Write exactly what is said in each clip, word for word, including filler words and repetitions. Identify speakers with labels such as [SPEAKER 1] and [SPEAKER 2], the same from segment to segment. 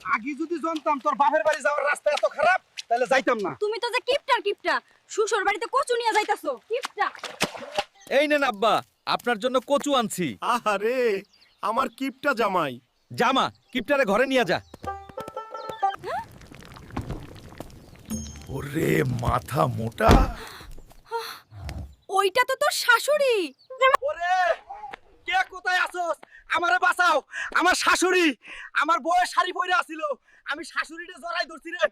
[SPEAKER 1] আগে যদি জানতাম তোর বাপের বাড়ি যাওয়ার রাস্তা এত খারাপ তাহলে যাইতাম না।
[SPEAKER 2] তুমি তো যে কিপটার কিপটা শ্বশুর বাড়িতে কচু নিয়ে যাইতাছো কিপটা।
[SPEAKER 3] এই নেন আব্বা, আপনার জন্য কচু আনছি।
[SPEAKER 4] আহারে আমার কিপটা জামাই।
[SPEAKER 3] জামা কিপটারে ঘরে নিয়ে যা।
[SPEAKER 4] ওরে মাথা মোটা।
[SPEAKER 2] ওইটা তো তোর শাশুড়ি।
[SPEAKER 1] ওরে কে কোথায় আছোস? আমারে বাঁচাও, আমার শাশুড়ি আমার বউয়ের শাড়ি পরে আছিল, আমি শাশুড়িরে জড়াই ধরছি রে।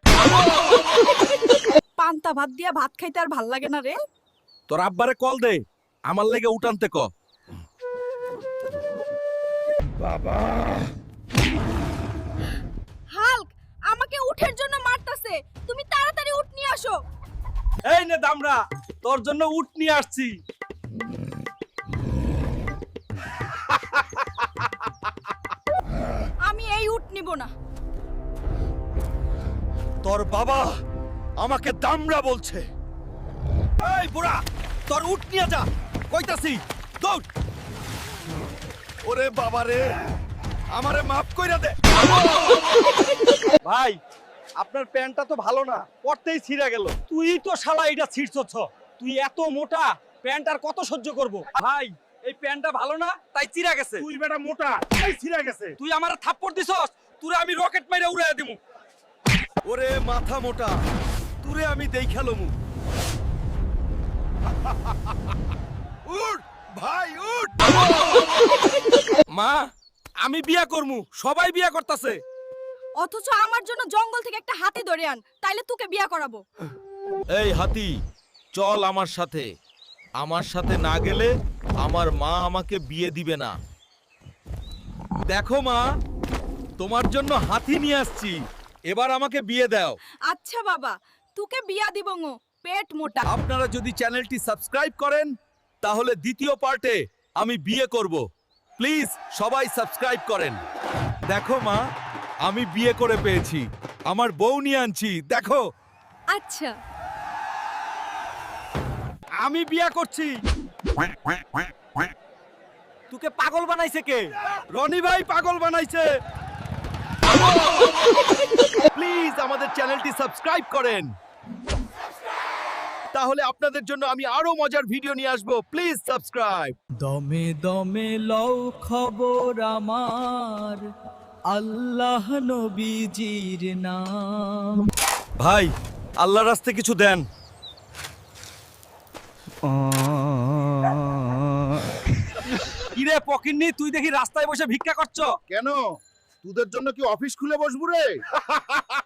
[SPEAKER 2] পান্তা ভাত দিয়া ভাত খাইতে আর ভাল লাগে না রে।
[SPEAKER 3] তোর আব্বারে কল দে, আমার লেগে উঠানতে ক।
[SPEAKER 4] বাবা
[SPEAKER 2] হাল্ক আমাকে উঠের জন্য মারতাছে, তুমি তাড়াতাড়ি উঠ নিয়ে আসো।
[SPEAKER 1] এই নে দামরা, তোর জন্য উট নিয়ে আসছি।
[SPEAKER 2] আমি এই উঠ নিব না।
[SPEAKER 3] তোর বাবা আমাকে দামড়া বলছে। এই বুড়া, তোর উঠ নিয়ে যা কইতাছি, দৌড়।
[SPEAKER 4] ওরে বাবা রে,
[SPEAKER 3] আমারে মাফ কইরা দে।
[SPEAKER 1] ভাই আপনার প্যান্টটা তো ভালো না, পরতেই ছিঁড়ে গেল। তুই তো শালা এটা ছিঁড়ছছ, তুই এত মোটা প্যান্ট আর কত সহ্য করব। ভাই এই প্যান্টটা ভালো না তাই চিরা গেছে।
[SPEAKER 4] তুই বেটা মোটা তাই ছিঁড়ে গেছে।
[SPEAKER 1] তুই আমার থাপ্পড় দিছস, তুরে আমি রকেট মাইরা উড়াইয়া দিমু।
[SPEAKER 3] ওরে মাথা মোটা, তুরে আমি দেখালমু।
[SPEAKER 4] উঠ ভাই উঠ।
[SPEAKER 3] মা, আমি বিয়া করমু, সবাই বিয়া করতাছে।
[SPEAKER 2] অথচ আমার জন্য জঙ্গল থেকে একটা হাতি ধরে আন, তাইলে তোকে বিয়া করাবো।
[SPEAKER 3] এই হাতি, চল আমার সাথে। আমার সাথে না গেলে আমার মা আমাকে বিয়ে দিবে না। দেখো মা, তোমার জন্য হাতি নিয়ে আসছি, এবার আমাকে বিয়ে দাও।
[SPEAKER 2] আচ্ছা বাবা, তোকে বিয়া দিব গো, পেট মোটা।
[SPEAKER 3] আপনারা যদি চ্যানেলটি সাবস্ক্রাইব করেন তাহলে দ্বিতীয় পার্টে আমি বিয়ে করব। প্লিজ সবাই সাবস্ক্রাইব করেন। দেখো মা, আমি বিয়ে করে পেয়েছি, আমার বউ নিয়ে আনছি, দেখো।
[SPEAKER 2] আচ্ছা
[SPEAKER 1] আমি বিয়া করছি। তোকে পাগল বানাইছে কে? রনি ভাই পাগল বানাইছে।
[SPEAKER 3] প্লিজ আমাদের চ্যানেলটি সাবস্ক্রাইব করেন, তাহলে আপনাদের জন্য আমি আরো মজার ভিডিও নিয়ে আসবো। Please subscribe.
[SPEAKER 5] দমে দমে লও খবর আমার, আল্লাহ নবীজির নাম।
[SPEAKER 3] ভাই, আল্লাহর রাস্তে কিছু দেন।
[SPEAKER 1] কিরে পকিন্নি, তুই দেখি রাস্তায় বসে ভিক্ষা করছ
[SPEAKER 4] কেন তোদের জন্য কি অফিস খুলে বসবো রে?